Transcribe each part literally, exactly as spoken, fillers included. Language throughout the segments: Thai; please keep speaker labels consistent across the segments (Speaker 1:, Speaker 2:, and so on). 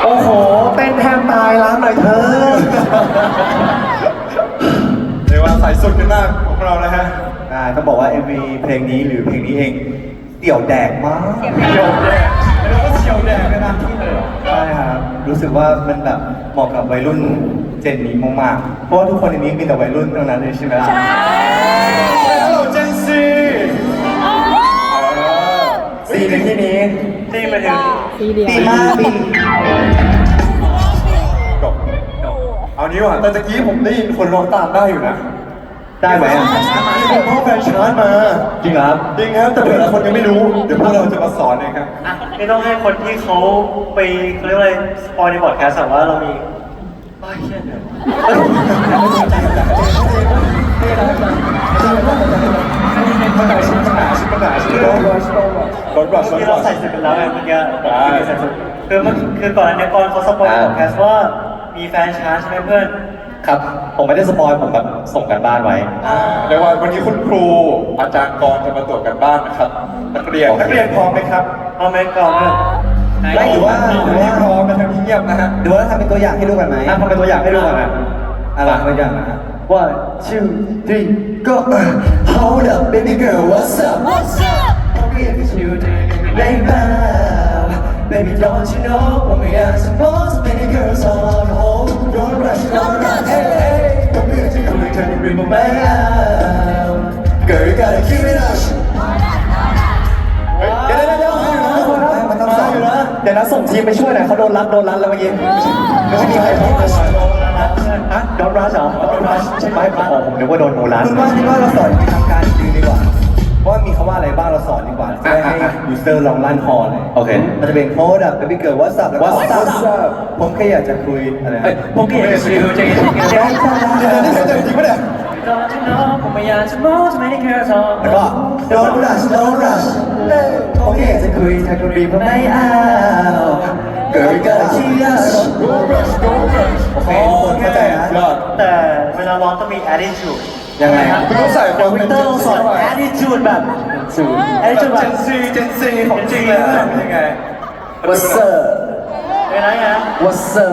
Speaker 1: อ้โหเต้นแทบตายร้านหน่อยเธอ
Speaker 2: เรียกว่าใส่สุดกันมากของเรานะฮะ
Speaker 1: อ่าต้องบอกว่า เอ็ม วี เพลงนี้หรือเพลงนี้เองเดี่ยวแดกมากเดี่ยวแดกแล้วก็เฉียวแดกเลยนะที่เลยใช่ครับรู้สึกว่ามันแบบเหมาะกับวัยรุ่นเจนนี้มากๆเพราะว่าทุกคนในนี้มีแต่วัยรุ่นทั้งนั้นเลยใช่ไหมล่ะใช่ฮัลโหลเจนซีซีในที่นี้ซีมาถึงซีเดียวซีมากซีจบเอานี้ว่ะแต่ตะกี้ผมได้ยินคนร้องตามได้อยู่นะได้ไหมอ่ะผมพ่อแฟนชาร์จมาจริงครับจริงครับแต่เผื่อคนยังไม่รู้เดี๋ยวพวกเราจะมาสอนเองครับ
Speaker 3: อ่ะไม่ต้องให้คนที่เขาไปเขาเรียกว่าอะไรสปอยในบอร์ดแคสต์ว่าเรามีบ้าเชี่ยเนี่ย
Speaker 2: ปัญหาชิ้นปัญหาชิ้นปัญหาชิ้นรถรถรถรถ
Speaker 3: ที่เราใส่เสร็จไปแล้วไงเมื่อกี้คือเมื่อคือก่อนอันนี้ก่อนเขาสปอยในบอร์ดแคสต์ว่ามีแฟนชาร์จใช่ไหมเพื่อน
Speaker 1: ครับผมไม่ได้สปอยผมแบบส่งกันบ้านไว้
Speaker 2: เรียกว่าวันนี้คุณครูอาจารย์กรจะมาตรวจกันบ้านนะครับนักเรียนนักเรียนพร้อมไหมครับ
Speaker 3: พร้อมไหมก่อน
Speaker 1: ไม่หรือว่า
Speaker 2: หรือว่าพร้อมมาทำที่เงียบนะฮะ
Speaker 1: หรือว่าทำเป็นตัวอย่างให้ดูกันไหมทำเป็นตัวอย่างให้ดูกันนะอะไรตัวอย่างนะ one two three go hold up baby girl what's up what's up baby baby don't you know when we are supposed to be girls on hold don't rush don't rush hey hey come here take a look at the rim of my arm girl you gotta keep it up เดี๋ยวเดี๋ยวเดี๋ยวมันต้องสอนอยู่นะเดี๋ยวนะส่งทีมไปช่วยหน่อยเขาโดนรัดโดนรัดแล้วเมื่อกี้ไม่มีใครพูดเลยฮะโดนรัดเหรอโดนรัดใช่ไหมผมผมนึกว่าโดนโดนรัดคุณว่าคิดว่าเราสอนวิธีทำการจริงดีกว่าว่ามีคำว่าอะไรบ้างเราสอนดีกว่าจะให้ยูเซอร์ลองลั่นคอเลยโอเคมันจะเป็นโค้ดอะเป็นเกิดว่าสับแล้วก็สับผมแค่อยากจะคุยอะไร
Speaker 3: ผมแค่อยากจะคุยจะจะจะ
Speaker 2: จะจริงปะเนี่ย
Speaker 3: ผมไม่อยากจะมองจะไม่ได้แค่สอง
Speaker 1: แล้วก็ don't rush don't rush ผมแค่อยากจะคุยถ้าคุณรีบไม่เอา girl you gotta keep up
Speaker 2: don't rush don't rush
Speaker 1: โอเคทุกคนเข้าใจนะ
Speaker 3: แต่เวลาร้องต้องมี attitude
Speaker 1: ยังไงครับ
Speaker 2: คุณต้องใส่ความ
Speaker 3: วิกเตอร์สอน attitude แบบ
Speaker 2: attitude แบบ Gen Z Gen Z ของจริงเลยเป็นยังไง
Speaker 1: What's up
Speaker 3: เป็นไงฮะ
Speaker 1: What's up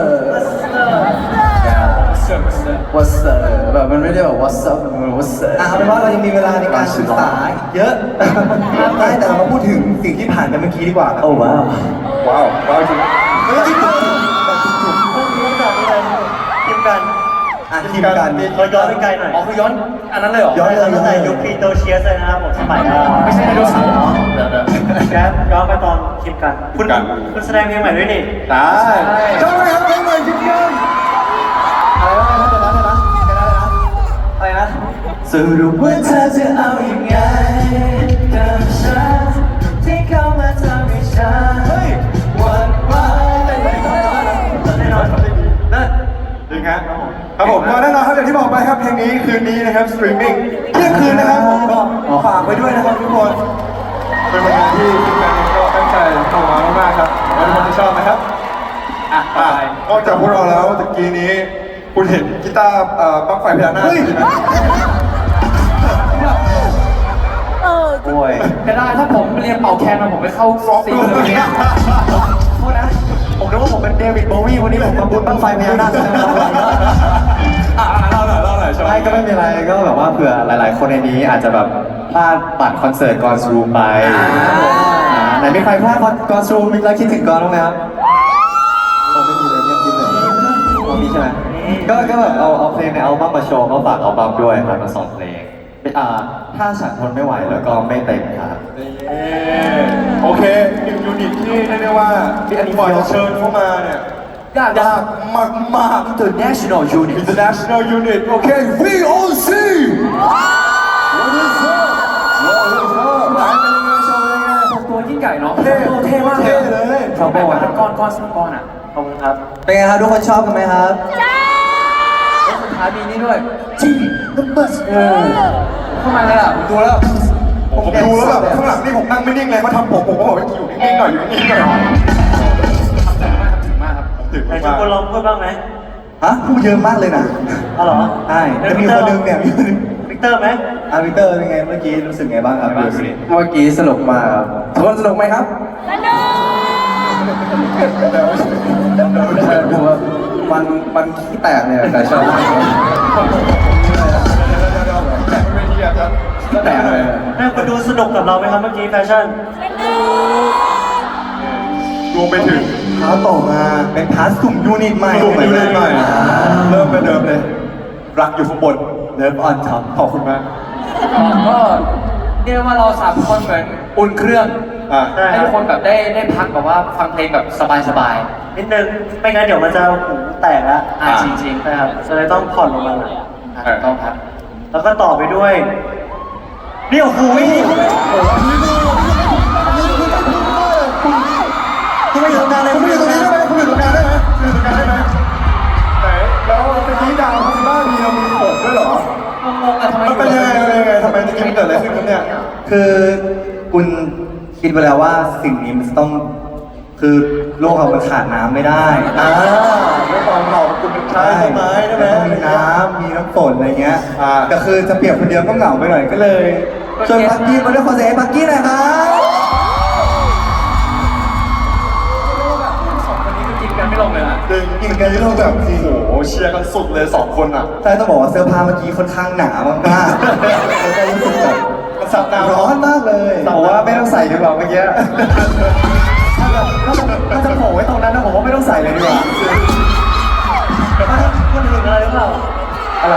Speaker 1: What's up แบบมันไม่ได้แบบ What's up มัน What's up อ่ะเอาเป็นว่าเรายังมีเวลาในการศึกษาเยอะได้แต่เรามาพูดถึงสิ่งที่ผ่านไปเมื่อกี้ดีกว่าโอ้ว้าว
Speaker 2: ว้าวว้าวจริง
Speaker 3: เฮ้ยจริงจริงพวกนี้แบบนี้เลยทีมกัน
Speaker 1: อ่ะทีมกัน
Speaker 3: เราย้อนไปไกลหน่อย
Speaker 2: อ๋อคือย้อนอันนั้นเลยเหรอ
Speaker 1: ย้อนเลย
Speaker 3: ตั้งแต่ยุคพีโตเชียสเลยนะครับผมสมัย
Speaker 2: ไม่ใช่ไดโนเสาร์เดี๋ยวเดี๋ยว
Speaker 3: แกย้อนไปตอนทีมกันคุณคุณแสดงเพลงใหม่ด้วยนี่
Speaker 2: ได้ชอบไหมครับเพลงใหม่ทีมกัน
Speaker 1: อะไรนะเดี๋ยวนะเดี๋ยวนะเดี๋ยวนะอะไรนะสรุปว่าเธอจะเอาอย่างไงกับฉันที่เข้ามาทำให้ฉันหวั่นไหวแน่นอนนั่น
Speaker 2: จริงครับครับผมก็แน่นอนครับอย่างที่บอกไปครับเพลงนี้คืนนี้นะครับสตรีมมิ่งเที่ยงคืนนะครับผมก็ฝากไว้ด้วยนะครับทุกคนเป็นผลงานที่ทีมงานก็ตั้งใจทำมามากๆครับหวังว่าทุกคนจะชอบนะครับอ่ะนอกจากพวกเราแล้วตะกี้นี้คุณเห็นกีตาร์ปลั๊กไฟพญานาค
Speaker 1: โอ้ย
Speaker 4: ก็ได้ถ้าผมเรียนเป่าแคนมาผมไปเข้าซีนเลยเนี่ย
Speaker 1: โทษนะผมนึกว่าผมเป็นเดวิดโบวีวันนี้ผมมาบุญบั้งไฟพญานาค
Speaker 2: อ่ะเล่าหน่อยเล่าหน่อยชอบ
Speaker 1: ไม่ก็ไม่มีอะไรก็แบบว่าเผื่อหลายๆคนในนี้อาจจะแบบพลาดบัตรคอนเสิร์ตกอนซูมไปไหนมีใครพลาดกอนซูมมีแล้วคิดถึงกอนบ้างไหมครับผมไม่มีเลยเนี่ยคิดเลยเรามีใช่ไหมก็ก็แบบเอาเอาเพลงในอัลบั้มมาโชว์ก็ฝากอัลบั้มด้วยครับมาสองเพลงอ่าถ้าฉันทนไม่ไหวแล้วก็ไม่เต็มครับ
Speaker 2: โอเคหนึ่งยูนิตที่เรียกได้ว่าที่อันนี้บอยจะเชิญเข้ามาเนี่ยยากยากมากมาก
Speaker 1: International Unit
Speaker 2: International Unit โอเค วี โอ ซี What is up What is up ไหนเป็นยังไงโชว์เป็นยังไง
Speaker 4: ตัวยิ่งใหญ่เนาะ
Speaker 2: เท่เท่มากเลย
Speaker 4: ชอบบอกว่าก้อนก้อนสองก้อนอ่ะ
Speaker 3: ขอบคุณครับ
Speaker 1: เป็นไงครับทุกคนชอบกันไหมครับ
Speaker 4: จ้าสุดท้ายมีนี่ด้วย
Speaker 1: จีนัมเบอร์เออ
Speaker 4: เข้ามาเลยอ่ะ
Speaker 2: ดูแล้วผมดูแล้วแบบข้างหลังนี่ผมนั่งไม่นิ่งเลยเขาทำผมผมก็บอกว่าอยู่นิ่งๆหน่อยอยู่นิ่งๆหน่อย
Speaker 4: ถึงมากครับ
Speaker 2: ถึงมาก
Speaker 3: ไหนทุกคนลองพูดบ้างไหม
Speaker 1: ฮะพูดเยอะมากเลยนะ
Speaker 3: อ๋อเหรอ
Speaker 1: ใช่จะมีคนนึงเนี่ยมีคนนึง
Speaker 3: วิกเตอร์ไหม
Speaker 1: อ่ะวิกเตอร์เป็นไงเมื่อกี้รู้สึกไงบ้างครับเ
Speaker 4: มื่อกี้สนุกมากครับทุกคนสนุกไหมครับ
Speaker 1: สนุกมันมันขี้แตกเนี่ยแต่ชอบ
Speaker 2: แต่ไม่ดีอ่ะครับ
Speaker 1: ก็แตกเลย
Speaker 3: น่าคุณดูสนุกกับเราไหมครับเมื่อกี้แฟชั่น
Speaker 2: รวมไปถึง
Speaker 1: เท้าต่อมาเป็นพาร์ทสุ่มยูนิตใหม่
Speaker 2: ดูดูเลยใหม่เริ่มเป็นเดิมเลย รักอยู่ข้างบน
Speaker 1: เลิฟออนท็อป
Speaker 2: ขอบคุณมาก
Speaker 4: ก็เรียกว่าเราสามคนเหมือนอุ่นเครื่อง
Speaker 2: อ่า
Speaker 3: ใช่
Speaker 4: ให้
Speaker 3: ครั
Speaker 4: ทุ
Speaker 3: บ
Speaker 4: กคนแบบได้ได้พักแบบว่าฟังเพลงแบบสบาย
Speaker 3: นิดนึงไม่งั้นเดี๋ยวมันจะหูแตกละ
Speaker 4: ๆอ่าจริงๆ
Speaker 3: นะครับจะเลยต้องผ่อนลงมาหน่อย
Speaker 4: อ่ะถูกต้องครับ
Speaker 3: แล้วก็ต่อไปด้วยนี่โอ้โห
Speaker 2: คุณไม่อยู่ตรงกลางเลยคุณไม่อยู่ตรงนี้ได้ไหมคุณอยู่ตรงกลางได้ไหมคุณอยู่ตรงกลางได้ไหมไหนแล้วเมื่อกี้ดาวพัสบ้ามีเรามีปกด้วยเหรอ
Speaker 4: งงๆอะทำไม
Speaker 2: มันเป็นยังไงเป็นยังไงทำไมตะกี้มันเกิดอะไรขึ้นครับเนี่ย
Speaker 1: คือคุณคิดไปแล้วว่าสิ่งนี้มันจะต้องคือโลกเรามันขาดน้ำไม่ได้
Speaker 2: อ่าด้วยความเราคุณเป็นชายต้นไม้ใช่ไหม
Speaker 1: ต้องมีน้ำมีน้ำฝนอะไรเงี้ย
Speaker 2: อ่า
Speaker 1: ก็คือจะเปรียบคนเดียวก็เหงาไปหน่อยก็เลยชวนปักกี้มาด้วยคอนเสิร์ตปักกี้หน่อยครับ
Speaker 4: สองคนนี้คือกินกันไม่ลงเลยนะ
Speaker 2: จริงกินกันที่เราแบบโอ้โหเชียร์กันสุดเลยสองคนอ่ะ
Speaker 1: ใช่ต้องบอกว่าเสื้อผ้าเมื่อกี้ค่อนข้างหนามากๆแล้วก็รู้สึกแบบ
Speaker 2: มันซับน้ำ
Speaker 1: ร้อนมากเลยผมว่าไม่ต้องใส่ดีกว่าเมื่อกี้ถ้าแบบถ้าจะถ้าจะโผล่ไว้ตรงนั้นนะผมว่าไม่ต้องใส่เลยดีกว่า
Speaker 3: คุณถึงอะไรหรือเปล่า
Speaker 1: อะไร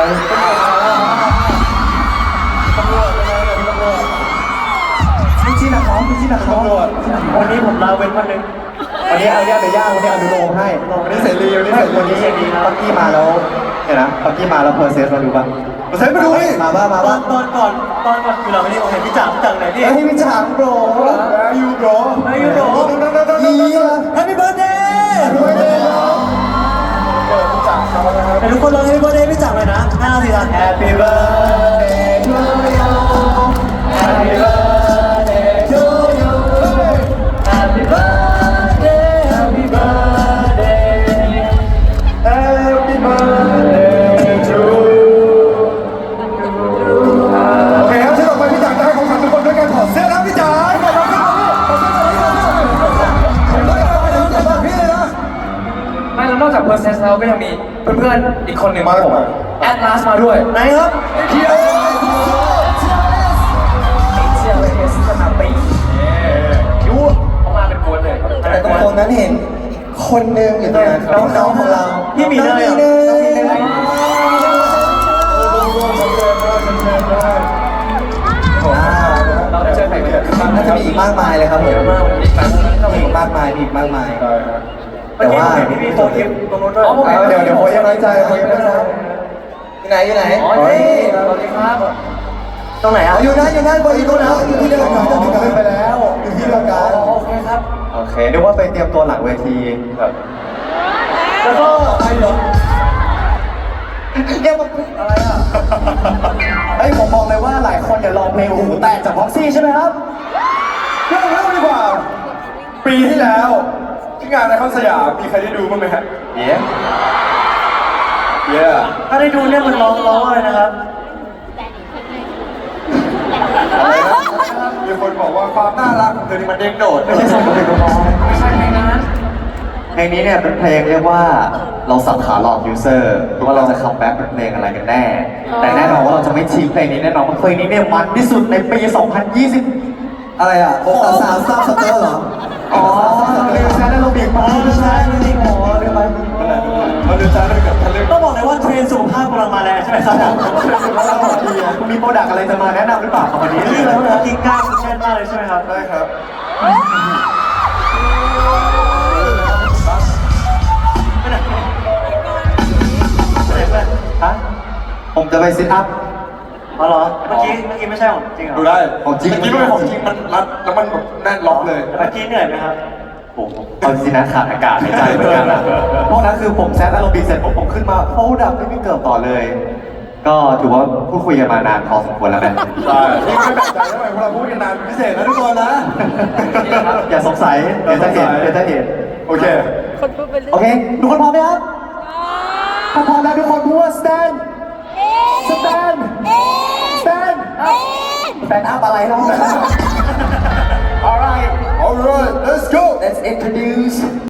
Speaker 3: ตำรวจอะไรแบบตำรวจ
Speaker 1: พี่จีนะครับพี่จีนะครับ
Speaker 2: ตำรวจ
Speaker 3: วันนี้ผมลาเว้นวันหนึ่ง
Speaker 1: วันนี้เอาย่าไปย่างวันนี้อนุโลมให้
Speaker 2: วันนี้เสรีวันนี้
Speaker 1: ไม่
Speaker 2: เสรี
Speaker 1: วันนี้ปักกี้มาแล้วเห็นนะปักกี้มาแล้วเพอร์เซสมาดูป่ะ
Speaker 2: มาใช้มาดูดิ
Speaker 1: มาบ้ามา
Speaker 3: ตอ
Speaker 1: บ้าน
Speaker 3: ตอนก่อนตอนก่อนคือเราไม่ได้โอเคพี่จ๋าพี่จ๋าไหนพี่
Speaker 1: เฮ้ยพี่ฉางโบร
Speaker 2: แล้วยูโร
Speaker 3: Where you bro
Speaker 1: เฮีย
Speaker 3: Happy birthday
Speaker 2: ด้วยเลยเออจังเขานะครับ
Speaker 3: ให้ทุกคนร้อง Happy birthday พี่จ๋าเลยนะห้าสี่สาม Happy birthday to you Happy birthday to you Happy birthday Happy birthday
Speaker 2: Happy birthday to you โอเคครับที่ต่อไปพี่จ๋าจะให้ของขวัญทุกคนด้วยการถอดเสื้อนะพี่จ๋าถอดเสื้อถอดเสื้อถอดเสื้อถอดเสื้อถอดเสื้อถอดเสื้อพี่เลยนะ
Speaker 4: ไม่แล้วนอกจากเพอร์เซสแล้วก็ยังมีเพื่อนๆอีกคนหนึ่ง
Speaker 2: มา
Speaker 4: ผม
Speaker 2: มา
Speaker 4: แอดลาสมาด้วย
Speaker 3: ไหนครับ
Speaker 2: เที่ยว
Speaker 4: เชียร์เลยเอสสนาปียูเขามาเป็นกวนเลย
Speaker 1: แต่ตรงตรงนั้นเห็นคนหนึงอยู่ตรงนั้นน้องๆของเรา
Speaker 3: พี่มีเนย
Speaker 1: น้อง
Speaker 3: เหรอ
Speaker 1: มีเนย
Speaker 4: เราได้เจอใครกันบ้าง
Speaker 1: น่าจะมีอีกมากมายเลยครับผม
Speaker 4: มากวันนี้ไปเรา
Speaker 1: มี
Speaker 4: มี
Speaker 1: อีกมากมายมีอีกมากมาย
Speaker 3: เมื่อกี้ผมเห็นพี่พี่โฟกิฟตรงนู้นด้วย
Speaker 1: เอาเดี๋ยวเดี๋ยวโอ้ยยังน้อยใจโอ้ยยังน้อยใจอยู่ไหนอยู่ไหน
Speaker 4: อ๋อ
Speaker 1: เฮ้ย
Speaker 4: สวัสดีครับ
Speaker 3: ตรงไหนอ่ะ
Speaker 1: เอาอยู่นั่นอยู่นั่นบนอีกตัวนะอยู่ที่เดียวกันจะถึงกันไปแล้วอยู่ที่เดียวกัน
Speaker 4: โอเคครับ
Speaker 1: โอเคนึกว่าไปเตรียมตัวหลังเวทีแบบ
Speaker 3: แล้วก็
Speaker 1: ไอ้เหรอเรียกว่าอะไรอ่ะเฮ้ยผมบอกเลยว่าหลายคนอย่าลองเพลงหูแตกจากพ็อกซี่ใช่ไหมครับ
Speaker 2: เรื่องเรื่องดีกว่า ปีที่แล้วที่งานในคอนสยามมีใครได้ดูบ้างไหมฮะ
Speaker 1: เย้
Speaker 2: เย้
Speaker 3: ถ้าได้ดูเนี่ยมันร้องร้องอะไรนะครับ
Speaker 2: มีคนบอกว่าความน่ารักของเธอนี่มันเด้งโดด
Speaker 1: ไม่ใช่ส่งไปตัวน้อง
Speaker 4: ไม่ใช่เพลงนั้น
Speaker 1: เพลงนี้เนี่ยเป็นเพลงเรียกว่าเราสับขาหลอกยูเซอร์ว่าเราจะคัมแบ็กเป็นเพลงอะไรกันแน่ แต่แน่นอนว่าเราจะไม่ทิ้งเพลงนี้แน่นอนเพราะเพลงนี้เนี่ยมันที่สุดในปี สองพันยี่สิบ อะไรอ่ะโอ้สาวสาวซับสเตอร์เหรอ อ๋อเรียนแซนด์โรบิกมาใช่จริงๆหมอเรียนไป
Speaker 2: เราเดินช้าเลยกับทันเรื่อง
Speaker 3: ต้องบอกเลยว่าเทรนด์สุขภาพกำลังมาแรงใช่ไหมครับ
Speaker 1: คุณมีโปรดักต์อะไรจะมาแนะนำหรือเปล่าครับวันนี้
Speaker 3: นี่แล้วนะกินก้าวกินแช่นมากเลยใช่ไหมครับ
Speaker 2: ได้ครับ
Speaker 1: ฮะผมจะไปซิทอัพ
Speaker 3: อ๋อเหรอ เมื่อกี้เมื่อกี้ไม่ใช่ของจริงเหรอ
Speaker 2: ดูได้
Speaker 1: ของจริง
Speaker 2: เมื่อกี้มันเป็นของจริงมันรัดแล้วมันแบบแน่นล็อกเลย
Speaker 3: เมื่อกี้เหนื่อยไหมครับ
Speaker 1: โอ้โหเอาจริงๆนะขาดอากาศหายใจเหมือนกันนะเพราะนั้นคือผมแซดอารมณ์ดีเสร็จปุ๊บผมขึ้นมาโอ้ดับไม่มีเกิดต่อเลย ก็ถือว่าพูดคุยกันมานานพอสมควรแล้วนะ
Speaker 2: ใช่นี่ไม่แปลกใจทำไมพวกเราพูดกันนานพิเศษนะทุกคนนะ
Speaker 1: อย่าสงสัยเดี๋ยวจะเห็นเดี๋ยวจะเห็น
Speaker 2: โอเค
Speaker 1: โอเค ทุกคนพร้อมไหมครับถ้าพร้อมแล้วทุกคนพูดว่า stand stand stand up stand up อะไรนะ
Speaker 2: alright alright let's go
Speaker 1: let's introduce